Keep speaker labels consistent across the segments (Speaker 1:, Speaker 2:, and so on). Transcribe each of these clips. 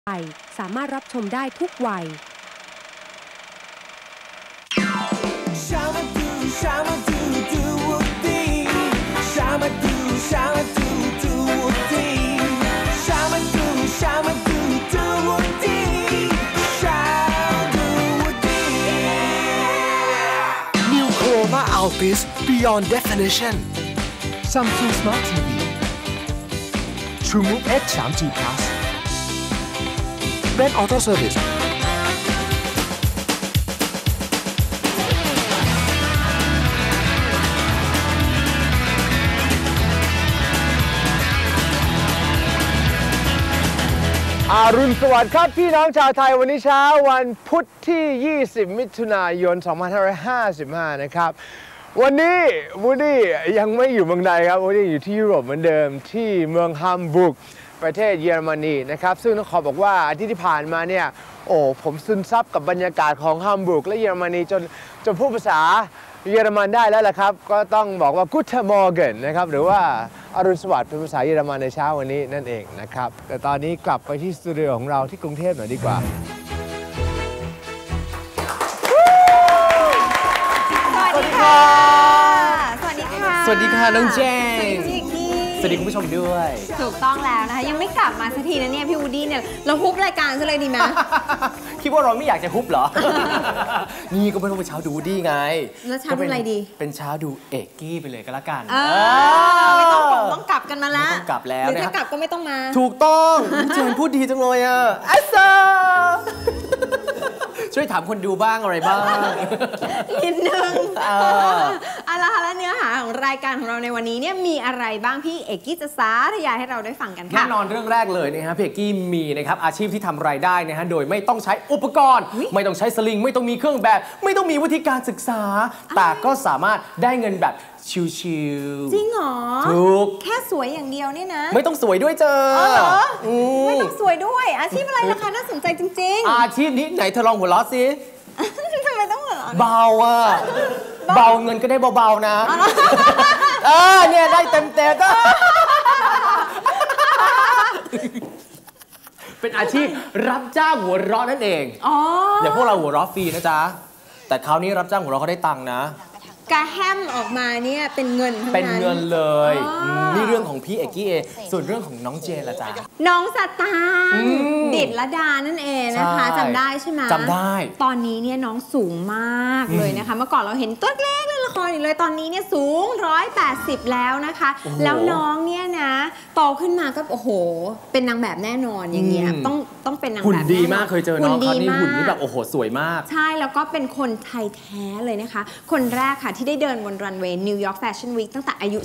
Speaker 1: สามารถรับชมได้ทุกวัย
Speaker 2: New Chroma Altis Beyond Definition Samsung Smart TV TrueMove X 3G Plus Red Auto Service
Speaker 3: อรุณสวัสดิ์ครับพี่น้องชาวไทยวันนี้เช้าวันพุธที่ 20 มิถุนายน 2555 นะครับ วันนี้วูดดี้ยังไม่อยู่เมืองใดครับวูดดี้อยู่ที่ยุโรปเหมือนเดิมที่เมืองฮัมบูร์กประเทศเยอรมนีนะครับซึ่งต้องขอบอกว่าอาทิตย์ที่ผ่านมาเนี่ยผมซึมซับกับบรรยากาศของฮัมบูร์กและเยอรมนีจนพูดภาษาเยอรมันได้แล้วล่ะครับก็ต้องบอกว่า Guten Morgen นะครับหรือว่าอรุณสวัสดิ์เป็นภาษาเยอรมันในเช้าวันนี้นั่นเองนะครับแต่ตอนนี้กลับไปที่สตูดิโอของเราที่กรุงเทพหน่อยดีกว่า
Speaker 4: สวัสดีค่ะสวัสดีค่ะ
Speaker 5: สวัสดีค่ะน้องเจน
Speaker 4: สวัสดี
Speaker 5: คุณผู้ชมด้วย
Speaker 4: ถูกต้องแล้วนะคะยังไม่กลับมาสักทีนะเนี่ยพี่วูดดี้เนี่ยเราฮุบรายการซะเลยดีไหม
Speaker 5: คิดว่าเราไม่อยากจะฮุบเหรอ นี่ก็ไม่ต้องเป็นเช้าดูดี้ไง
Speaker 4: แล้วเช้าดูอะไรดี
Speaker 5: เป็นเช้าดูเอกกี้ไปเลยก็แล้วกัน
Speaker 4: ไม่ต้องกลับกันมาละ
Speaker 5: ไม่ต้องกลับแล้ว
Speaker 4: หรือถ้ากลับก็ไม่ต้องมา
Speaker 5: ถูกต้องเจนพูดดีจังเลยอ่ะอัสซาช่วยถามคนดูบ้างอะไรบ้าง
Speaker 4: นิดนึงแล้วเนื้อหาของรายการของเราในวันนี้เนี่ยมีอะไรบ้างพี่เอกกี้จะสาธยายให้เราได้ฟังกันค่ะ
Speaker 5: แน่นอนเรื่องแรกเลยนะฮะพี่เอกกี้มีนะครับอาชีพที่ทำรายได้นะฮะโดยไม่ต้องใช้อุปกรณ์ไม่ต้องใช้สลิงไม่ต้องมีเครื่องแบบไม่ต้องมีวิธีการศึกษาแต่ก็สามารถได้เงินแบบชิวๆ
Speaker 4: จริงเหรอ
Speaker 5: ถูก
Speaker 4: แค่สวยอย่างเดียวเนี่ยนะ
Speaker 5: ไม่ต้องสวยด้วยเจอ
Speaker 4: เหรอไม่ต้องสวยด้วยอาชีพอะไรราคาน่าสนใจจริง
Speaker 5: ๆอาชีพนี้ไหนเธอลองหัวเราะสิ
Speaker 4: ทำไมต้องหัวเราะ
Speaker 5: เบาอ่ะเบาเงินก็ได้เบาๆนะเนี่ยได้เต็มๆก็เป็นอาชีพรับจ้างหัวเราะนั่นเองอย่างพวกเราหัวเราะฟรีนะจ๊ะแต่คราวนี้รับจ้างหัวเราะเขาได้ตังค์นะ
Speaker 4: กระแฮมออกมาเนี่ยเป็นเงินทั้งนั้น
Speaker 5: เป็นเงินเลยนี่เรื่องของพี่เอกกี้เอส่วนเรื่องของน้องเจนละจ๊ะ
Speaker 4: น้องสตางค์ดิดละดานั่นเองนะคะจำได้ใช่ไหม
Speaker 5: จำได้
Speaker 4: ตอนนี้เนี่ยน้องสูงมากเลยนะคะเมื่อก่อนเราเห็นตัวเล็กเล่นละครอยู่เลยตอนนี้เนี่ยสูง180แล้วนะคะแล้วน้องเนี่ยนะโตขึ้นมาก็โอ้โหเป็นนางแบบแน่นอนอย่างเงี้ยต้องเป็นนางแบบ
Speaker 5: หุ่นดีมากเคยเจอน้องเขานี่หุ่นนี่แบบโอ้โหสวยมาก
Speaker 4: ใช่แล้วก็เป็นคนไทยแท้เลยนะคะคนแรกค่ะที่ได้เดินบนรันเวย์นิวยอร์กแฟชั่นวีคตั้งแต่อายุ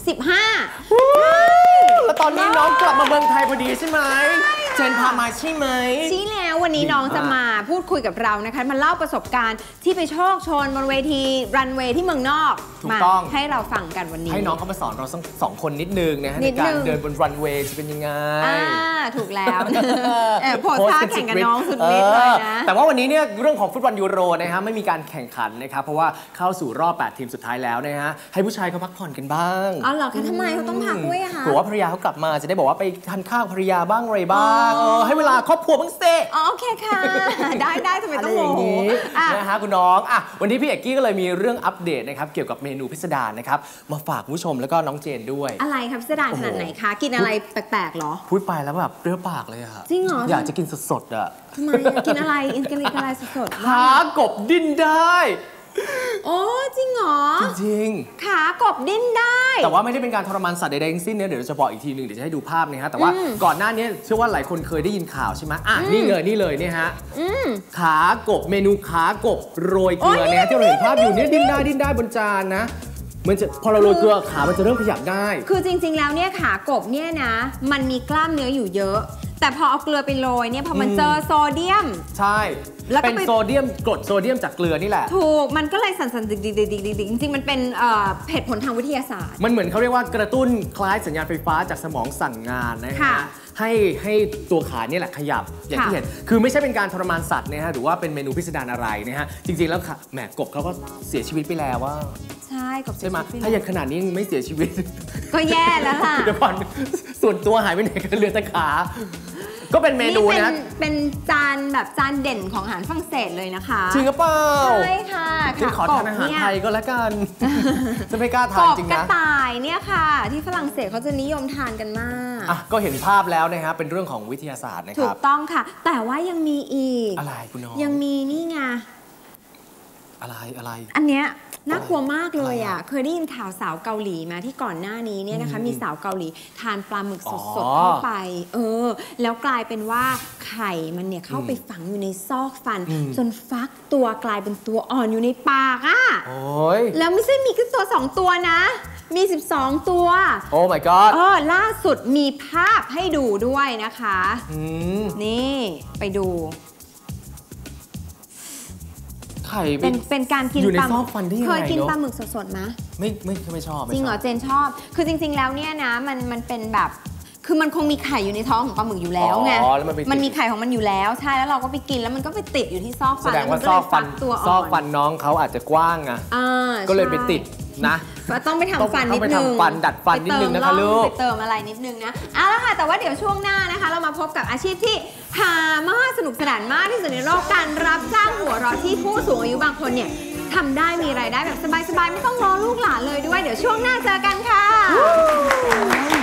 Speaker 4: 15
Speaker 5: แล้วตอนนี้น้องกลับมาเมืองไทยพอดีใช่ไหมเจนพามาใช่ไหม
Speaker 4: ใช่แล้ววันนี้น้องจะมาพูดคุยกับเรานะคะมาเล่าประสบการณ์ที่ไปโชคโชนบนเวทีรันเวย์ที่เมืองนอกมาให้เราฟังกันวันนี้
Speaker 5: ให้น้องเขามาสอนเราสองคนนิดนึงนะฮะในการเดินบนรันเวย์จะเป็นยังไง
Speaker 4: ถูกแล้วโพสท่าแข่งกับน้องสุดฤทธิ์เลยนะ
Speaker 5: แต่ว่าวันนี้เนี่ยเรื่องของฟุตบอลยูโรนะฮะไม่มีการแข่งขันนะครับเพราะว่าเข้าสู่รอบ8ทีมสุดท้ายแล้วนะฮะให้ผู้ชายเขาพักผ่อนกันบ้าง
Speaker 4: อ๋อเหรอคะทำไมเขาต้องพักด้วยอะคะ
Speaker 5: เพราะว่าภรรยาเขากลับมาจะได้บอกว่าไปทานข้าวภรรยาบ้างอะไรบ้างให้เวลาครอบครัวบ้างเซ่
Speaker 4: โอเคค่ะได้ทำไมต้องโมโห
Speaker 5: นะฮะคุณน้องวันนี้พี่เอกกี้ก็เลยมีเรื่องอัปเดตนะครับเกี่ยวกับเมนูพิสดารนะครับมาฝากผู้ชมแล้วก็น้องเจนด้วย
Speaker 4: อะไรครับพิสดารขนาดไหนคะกินอะไรแปลกๆหรอ
Speaker 5: พูดไปแล้วแบบเปรี้ยวปากเลยอะ
Speaker 4: จริงเหรอ
Speaker 5: อยากจะกินสดๆอะ
Speaker 4: ทำไมกินอะไรสด
Speaker 5: ๆขากบดิ้นได้
Speaker 4: โอ้จริงเหรอ
Speaker 5: จริง
Speaker 4: ขากบดิ้นได้
Speaker 5: แต่ว่าไม่ได้เป็นการทรมานสัตว์ใดๆทั้งสิ้นเนี่ยเดี๋ยวจะบอกอีกทีหนึ่งเดี๋ยวจะให้ดูภาพนะฮะแต่ว่าก่อนหน้านี้เชื่อว่าหลายคนเคยได้ยินข่าวใช่ไหมนี่เลยเนี่ยฮะขากบเมนูขากบโรยเกลือเนี่ยที่เราเห็นภาพอยู่เนี่ยดิ้นได้บนจานนะมันจะพอเราโรยเกลือขามันจะเริ่มขยับได้
Speaker 4: คือจริงๆแล้วเนี่ยขากบเนี่ยนะมันมีกล้ามเนื้ออยู่เยอะแต่พอเอาเกลือไปโรยเนี่ยพอมันเจอโซเดียม
Speaker 5: ใช่เป็นโซเดียมกรดโซเดียมจากเกลือนี่แหละ
Speaker 4: ถูกมันก็เลยสั่นๆดิกๆจริงๆมันเป็นเหตุผลทางวิทยาศาสตร์
Speaker 5: มันเหมือนเขาเรียกว่ากระตุ้นคล้ายสัญญาณไฟฟ้าจากสมองสั่งงานนะฮะให้ตัวขาเนี่ยแหละขยับอย่างที่เห็นคือไม่ใช่เป็นการทรมานสัตว์นะฮะหรือว่าเป็นเมนูพิสดารอะไรนะฮะจริงๆแล้วแหมกบเขาก็เสียชีวิตไปแล้วว่า
Speaker 4: ใช่กบ
Speaker 5: ใช่ไหมถ้าอย่างขนาดนี้ไม่เสียชีวิต
Speaker 4: ก็แย่แล้วค่ะ
Speaker 5: เดี๋ยวก่อนส่วนตัวหายไปไหนกันเหลือแต่ขาก็เป็นเมนูนะ
Speaker 4: เป็นจานแบบจานเด่นของอาหารฝรั่งเศสเลยนะคะ
Speaker 5: จริงหรือเปล่า
Speaker 4: ใช่ค่ะ
Speaker 5: ฉันขอทานอาหารไทยก็แล้วกัน จะไม่กล้าทานจริง
Speaker 4: กบกระ
Speaker 5: นะ
Speaker 4: ต่ายเนี่ยค่ะ ที่ฝรั่งเศสเขาจะนิยมทานกันมาก
Speaker 5: อ่ะก็เห็นภาพแล้วนะฮะเป็นเรื่องของวิทยาศาสตร์นะค
Speaker 4: ถู
Speaker 5: รั
Speaker 4: ก
Speaker 5: บ
Speaker 4: ต้องค่ะ แต่ว่ายังมีอีก
Speaker 5: อะไรคุณน้อง
Speaker 4: ยังมีนี่ไง
Speaker 5: อะไร
Speaker 4: อันเนี้ยน่ากลัวมากเลย
Speaker 5: อะไร
Speaker 4: อ่ะ
Speaker 5: อ่ะ
Speaker 4: เคยได้ยินข่าวสาวเกาหลีมาที่ก่อนหน้านี้เนี่ยนะคะ มีสาวเกาหลีทานปลาหมึกสด
Speaker 5: อ๋อ
Speaker 4: ๆเข้าไป แล้วกลายเป็นว่าไข่มันเนี่ยเข้าไปฝังอยู่ในซอกฟัน จนฟักตัวกลายเป็นตัวอ่อนอยู่ในปากอ่ะ
Speaker 5: โอ้ย
Speaker 4: แล้วไม่ใช่มีแค่ตัว2ตัวนะ มี 12 ตัว
Speaker 5: โอ้ my god
Speaker 4: ล่าสุดมีภาพให้ดูด้วยนะคะ
Speaker 5: ม
Speaker 4: นี่ไปดู
Speaker 5: ไข่
Speaker 4: เป็นการกิน
Speaker 5: อยู่ใน
Speaker 4: ปลา
Speaker 5: ซอกฟันได้ยังไง
Speaker 4: เคยกิน
Speaker 5: เนอะ
Speaker 4: ปลาหมึกสดๆไหม
Speaker 5: ไม่ชอบ
Speaker 4: จริงเหรอเจนชอบ คือจริง ๆ แล้วเนี่ยนะมันเป็นแบบ คือมันคงมีไข่อยู่ในท้องของปลาหมึกอยู่แล้วไง
Speaker 5: แล้วมันไปติด
Speaker 4: มันมีไข่ของมันอยู่แล้ว ใช่ แล้วเราก็ไปกินแล้วมันก็ไปติดอยู่ที่ซอก
Speaker 5: แส
Speaker 4: ฟัน
Speaker 5: ด
Speaker 4: แล้
Speaker 5: ง
Speaker 4: วมั
Speaker 5: ว่าน
Speaker 4: ก็
Speaker 5: ซ
Speaker 4: เล
Speaker 5: อก
Speaker 4: ย
Speaker 5: ฟั
Speaker 4: ฟั
Speaker 5: น
Speaker 4: กตัว
Speaker 5: ซ
Speaker 4: อ่
Speaker 5: อ
Speaker 4: อก
Speaker 5: ฟั
Speaker 4: น
Speaker 5: นน้องเขาอาจจะกว้างอะ ก็เลยไปติดนะ
Speaker 4: ต้องไปทำฟันนิด
Speaker 5: ต้องไป
Speaker 4: นึง
Speaker 5: ทำฟันดัดฟันนิดนึงนะคะลูก
Speaker 4: ไปเติมอะไรนิดนึงนะเอาละค่ะ แต่ว่าเดี๋ยวช่วงหน้านะคะ เรามาพบกับอาชีพที่หามากสนุกสนานมากที่สุดในโลกการรับจ้างหัวเราะที่ผู้สูงอายุบางคนเนี่ยทำได้มีรายได้แบบสบายๆไม่ต้องรอลูกหลานเลยด้วยเดี๋ยวช่วงหน้าเจอกันค่ะ